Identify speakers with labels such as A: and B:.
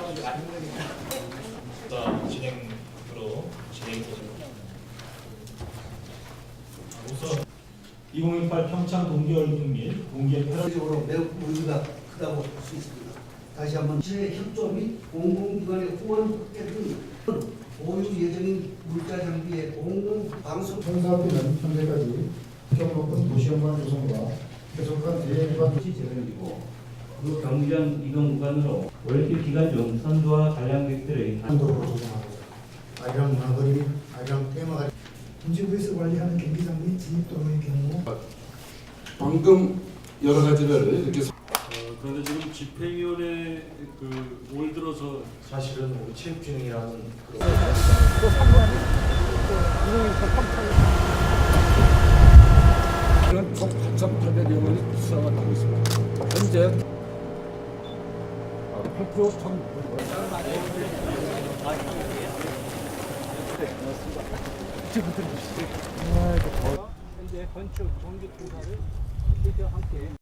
A: 자, 진행으로 진행해보겠습니다. 우선 2018 평창 동계올림픽 및 동계 패럴
B: 적으로 매우 의미가 크다고 볼 수 있습니다. 다시 한번 지회 협조 및 공공기관의 후원 확대 등 보유 예정인 물자 장비의 공공 방송
C: 총사업비는 현재까지 규격 높은 도시연관 조성과 계속한 대외 기반
D: 도시 재건이고 그 경기장 이동 구간으로 올림픽 기간 중 선수와 관람객들의
C: 한도로 조성하고 아리랑 문화거리, 아리랑 테마거리
E: 문지구에서 관리하는 경기장 및 진입도로의 경우
F: 방금 여러 가지를 이렇게
G: 그런데 지금 집행위원회 올 들어서
A: 사실은 우리 체육진흥이라는 그런
H: 총 8,800여 명이 수상을 하고 있습니다. 현재 8%
E: 현재 건축 전기 공사를 함께